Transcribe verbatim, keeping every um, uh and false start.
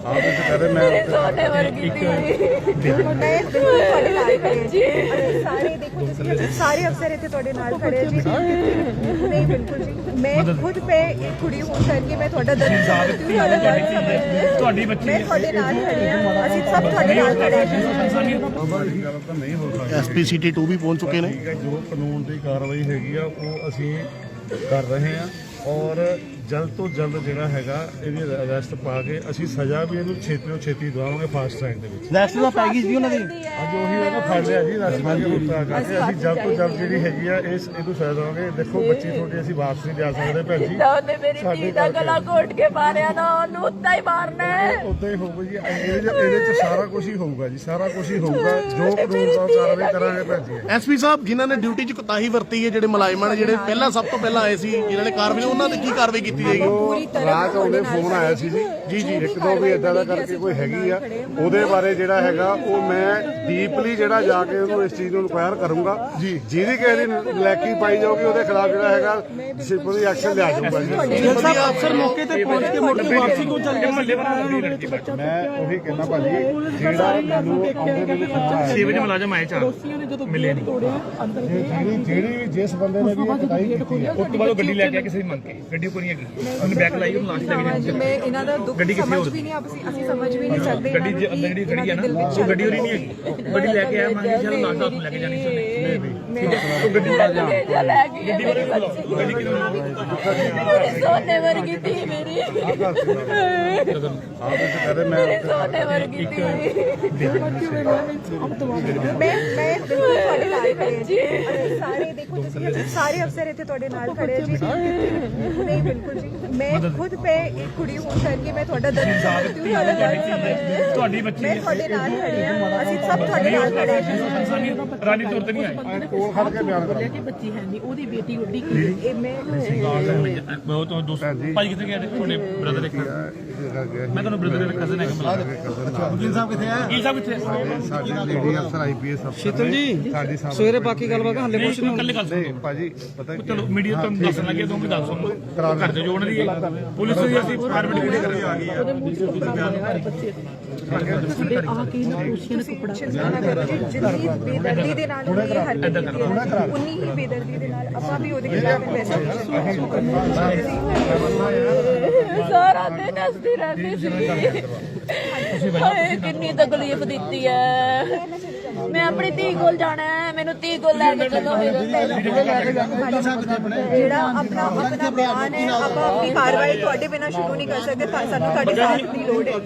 ਆਪ ਵਿੱਚ ਕਰੇ ਮੈਂ ਸੋਨੇ ਵਰਗੀ ਸਾਰੇ ਦੇਖੋ ਤੁਸੀਂ ਸਾਰੇ ਅਫਸਰ ਇੱਥੇ ਤੁਹਾਡੇ ਨਾਲ ਖੜੇ ਜੀ ਨਹੀਂ ਬਿਲਕੁਲ ਜੀ ਮੈਂ ਖੁਦ ਪੇ ਇੱਕ ਕੁੜੀ ਹੋਣ ਕਰਕੇ ਮੈਂ ਤੁਹਾਡਾ ਦਰਦ ਸਮਝਦੀ ਹਾਂ ਤੁਹਾਡੀ ਬੱਚੀ ਮੈਂ ਤੁਹਾਡੇ ਨਾਲ ਖੜੀ ਹਾਂ ਅਸੀਂ ਸਭ ਤੁਹਾਡੇ ਨਾਲ ਖੜੇ ਗੱਲ ਤਾਂ ਨਹੀਂ ਹੋ ਸਕਦੀ। ਐਸਪੀ ਸਿਟੀ ਟੂ ਵੀ ਪਹੁੰਚ ਚੁੱਕੇ ਨੇ। ਠੀਕ ਹੈ, ਜੋ ਕਾਨੂੰਨ ਦੀ ਕਾਰਵਾਈ ਹੈਗੀ ਆ ਉਹ ਅਸੀਂ ਕਰ ਰਹੇ ਹਾਂ ਔਰ ਜਲਦ ਤੋਂ ਜਲਦ ਜਿਹੜਾ ਹੈਗਾ ਇਹਦੀ ਅਰੈਸਟ ਪਾ ਕੇ ਅਸੀਂ ਸਜ਼ਾ ਵੀ ਇਹਨੂੰ ਛੇਤੀ ਤੋਂ ਛੇਤੀ ਦਵਾਵਾਂਗੇ ਫਾਸਟ ਟਰੈਕ ਦੇ ਵਿੱਚ। ਰੈਸਟ ਦਾ ਪੈ ਗਈ ਜੀ ਉਹਨਾਂ ਦੀ ਅੱਜ ਉਹੀ ਇਹਨੂੰ ਫੜ ਲਿਆ ਜੀ ਰਸਮਾਂ ਦੀ ਉਤਾਰ ਕਰਕੇ ਅਸੀਂ ਜਲਦ ਤੋਂ ਜਲਦ ਜਿਹੜੀ ਹੈਗੀ ਆ ਇਸ ਇਹਨੂੰ ਸਜ਼ਾ ਦੇਵਾਂਗੇ। ਦੇਖੋ ਬੱਚੀ ਤੁਹਾਡੀ ਅਸੀਂ ਵਾਪਸ ਨਹੀਂ ਜਾ ਸਕਦੇ ਭੈਣ ਜੀ। ਉਹਨੇ ਮੇਰੀ ਧੀ ਦਾ ਗਲਾ ਘੋਟ ਕੇ ਮਾਰਿਆ ਨਾ ਉਹਨੂੰ ਉੱਦਾਂ ਹੀ ਮਾਰਨਾ ਹੈ। ਉਦਾਂ ਹੀ ਹੋਊਗਾ ਜੀ। ਇਹਦੇ ਚ ਇਹਦੇ ਚ ਸਾਰਾ ਕੁਝ ਹੀ ਹੋਊਗਾ ਜੀ, ਸਾਰਾ ਕੁਝ ਹੀ ਹੋਊਗਾ ਜੋ ਕਾਨੂੰਨ ਦਾ ਕਾਰਵਾਈ ਕਰਾਂਗੇ ਭੈਣ ਜੀ। ਐਸਪੀ ਸਾਹਿਬ ਜਿਨ੍ਹਾਂ ਨੇ ਡਿਊਟੀ 'ਚ ਕੁਤਾਹੀ ਵਰਤੀ ਹੈ, ਜਿਹੜੇ ਮੁਲਾਜ਼ਮਾਂ ਨੇ ਜਿਹੜੇ ਪਹਿਲਾਂ ਸਭ ਤੋਂ ਪਹਿਲਾਂ ਆਏ ਸੀ ਜਿਨ੍ਹਾਂ ਨੇ ਕਾਰਵਾਈ, ਉਹਨਾਂ ਤੇ ਕੀ ਕਾਰਵਾਈ ਕੀਤੀ ਜਾਏਗੀ? ਰਾਤ ਉਹਨੇ ਫੋਨ ਆਇਆ ਸੀ ਜੀ ਜੀ ਜੀ ਇੱਕ ਦੋ ਵੀ ਇਦਾਂ ਦਾ ਕਰਕੇ ਕੋਈ ਹੈਗੀ ਆ ਉਹਦੇ ਬਾਰੇ ਜਿਹੜਾ ਹੈਗਾ ਉਹ ਮੈਂ ਡੀਪਲੀ ਜਿਹੜਾ ਜਾ ਕੇ ਉਹਨੂੰ ਇਸ ਚੀਜ਼ ਨੂੰ ਇਨਕੁਆਇਰ ਕਰੂੰਗਾ ਜੀ। ਜਿਹਦੀ ਕਿਸੇ ਦੀ ਲੈਕੀ ਪਾਈ ਜਾਊਗੀ ਉਹਦੇ ਖਿਲਾਫ ਜਿਹੜਾ ਹੈਗਾ ਡਿਸਪਲਿਨਰੀ ਐਕਸ਼ਨ ਲਿਆ ਜਾਊਗਾ ਜੀ। ਵਧੀਆ ਅਫਸਰ ਮੌਕੇ ਤੇ ਪਹੁੰਚ ਕੇ ਮੁੜ ਕੇ ਵਾਪਸੀ ਕਿਉਂ ਚੱਲ ਗਏ? ਮੈਂ ਉਹੀ ਕਹਿੰਦਾ ਭਾਜੀ ਜਿਹੜਾ ਮੈਨੂੰ ਆਉਂਦੇ ਮੈਨੂੰ ਸੁਣਨਾ ਛੇ ਵਜੇ ਮੁਲਾਜ਼ਮ ਆਏ ਚਾਰ ਮਿਲੇ ਨਹੀਂ। ਜਿਹੜੀ ਜਿਹੜੀ ਜਿਸ ਬੰਦੇ ਨੇ ਵੀ ਇਹ ਕਟਾਈ ਕੀਤੀ ਆ ਉਸ ਤੋਂ ਬਾਅਦ ਉਹ ਗੱਡੀ ਲੈ ਕੇ ਆ ਕਿਸੇ ਦੀ ਮੰਗ ਕੇ ਗੱਡੀ ਕੋਈ ਨਹੀਂ ਹੈਗੀ, ਉਹਨੇ ਬੈਕ ਲਾਈ ਉਹਨੂੰ ਲਾਸ਼ ਲੈ ਕੇ ਜਾਣੀ। ਮੈਂ ਇਹਨਾਂ ਦਾ ਦੁੱਖ ਸਮਝ ਵੀ ਨਹੀਂ ਅਸੀਂ ਅਸੀਂ ਸਮਝ ਵੀ ਨਹੀਂ ਸਕਦੇ। ਗੱਡੀ ਦੇ ਅੰਦਰ ਜਿਹੜੀ ਗੱਡੀ ਹੈ ਨਾ ਉਹ ਗੱਡੀ ਉਹਦੀ ਨਹੀਂ ਹੈਗੀ, ਗੱਡੀ ਲੈ ਕੇ ਆਇਆ ਮੰਗ ਕੇ ਚਲ ਲਾਸ਼ ਦਾ ਲੈ ਕੇ ਜਾਣੀ ਸੀ ਉਹਨੇ। ਉਹ ਗੱਡੀ ਵਾਲਾ ਜਾ ਲੈ ਗਈ ਮੇਰੀ ਬੱਚੀ ਗੱਡੀ ਕਿਉਂ ਸੋਨੇ ਵਰਗੀ ਧੀ ਮੇਰੀ ਆਪ ਵਿੱਚ ਕਰੇ ਮੈਂ ਸੋਨੇ ਵਰਗੀ ਧੀ ਮੈਂ ਮੈਂ ਬਿਲਕੁਲ ਤੁਹਾਡੇ ਨਾਲ ਖੜੇ ਜੀ ਸਾਰੇ ਦੇਖੋ ਤੁਸੀਂ ਸਾਰੇ ਅਫਸਰ ਇੱਥੇ ਤੁਹਾਡੇ ਨਾਲ ਖੜੇ ਜੀ ਨਹੀਂ ਬਿਲਕੁਲ ਜੀ ਮੈਂ ਖੁਦ ਪੇ ਇੱਕ ਕੁੜੀ ਹੋਣ ਕਰਕੇ ਮੈਂ ਤੁਹਾਡਾ ਦਰਦ ਸਮਝਦੀ ਹਾਂ ਤੁਹਾਡੀ ਬੱਚੀ ਮੈਂ ਤੁਹਾਡੇ ਨਾਲ ਖੜੀ ਹਾਂ ਅਸੀਂ ਸਭ ਤੁਹਾਡੇ ਨਾਲ ਖੜੇ ਹਾਂ ਰਾਨੀ ਤੌਰ ਤੇ ਨਹੀਂ ਆਏ। ਕੋਲ ਖੜ ਕੇ ਬਿਆਨ ਕਰਾਂ। ਬੱਚੀ ਹੈ ਨਹੀਂ ਉਹਦੀ ਬੇਟੀ ਉੱਡੀ ਇਹ ਮੈਂ ਉਹ ਤੋਂ ਦੋਸਤ ਭਾਈ ਕਿੱਥੇ ਗਏ ਤੁਹਾਡੇ ਬ੍ਰਦਰ ਇੱਕ ਮੈਂ ਤੁਹਾਨੂੰ ਬ੍ਰਦਰ ਦਾ ਕਜ਼ਨ ਹੈਗਾ ਮਿਲਾ ਵਕੀਲ ਸਾਹਿਬ ਕਿੱਥੇ ਆ? ਵਕੀਲ ਸਾਹਿਬ ਕਿੱਥੇ? ਸਾਡੇ ਲੇਡੀ ਅਫਸਰ ਆਈਪੀਐਸ ਅਫਸਰ ਸ਼ੀਤਲ ਜੀ ਸਾਡੀ ਸਾਹਮਣੇ ਸਵੇਰੇ ਬਾਕੀ ਗੱਲਬਾਤ ਹਲੇ ਕੁਝ ਨਹੀਂ ਕੱਲੇ ਗੱਲ ਨਹੀਂ ਸੁਣੋ ਭਾਜੀ ਪਤਾ ਕੀ ਚਲੋ ਮੀਡੀਆ ਤੋਂ ਦੱਸਣ ਲੱਗੇ ਤੋਂ ਵੀ ਦੱਸ ਸੁਣੋ ਘਰ ਦੇ ਜੋੜਨ ਦੀ ਪੁਲਿਸ ਦੀ ਅਸੀਂ ਫਾਰਮੈਟ ਕਿਹੜੀ ਕਰਾਂਗੇ ਆ ਗਈ ਸਾਡੇ ਆ ਕੇ ਨਾ ਦੋਸ਼ੀਆਂ ਨੇ ਕੱਪੜਾ ਜਿੰਨੀ ਬੇਦਰਦੀ ਦੇ ਨਾਲ ਇਹ ਹਰਕਤ ਕੀਤੀ ਹੈ ਉਨੀ ਹੀ ਬੇਦਰਦੀ ਦੇ ਨਾਲ ਆਪਾਂ ਵੀ ਉਹਦੇ ਖਿਲਾਫ ਪੈਸਾ ਸਾਰਾ ਦਿਨ ਹੱਸਦੀ ਰਹਿੰਦੀ ਸੀ। ਹਾਏ ਕਿੰਨੀ ਤਕਲੀਫ ਦਿੱਤੀ ਹੈ। ਮੈਂ ਆਪਣੀ ਧੀ ਕੋਲ ਜਾਣਾ ਹੈ, ਮੈਨੂੰ ਧੀ ਕੋਲ ਲੈ ਕੇ ਚੱਲੋ ਮੇਰੇ ਜਿਹੜਾ ਆਪਣਾ ਆਪਣਾ ਬਿਆਨ ਹੈ ਆਪਾਂ ਆਪਣੀ ਕਾਰਵਾਈ ਤੁਹਾਡੇ ਬਿਨਾਂ ਸ਼ੁਰੂ ਨਹੀਂ ਕਰ ਸਕਦੇ। ਸਾਨੂੰ ਤੁਹਾਡੇ ਸਾਥ ਦੀ ਲੋੜ ਹੈ।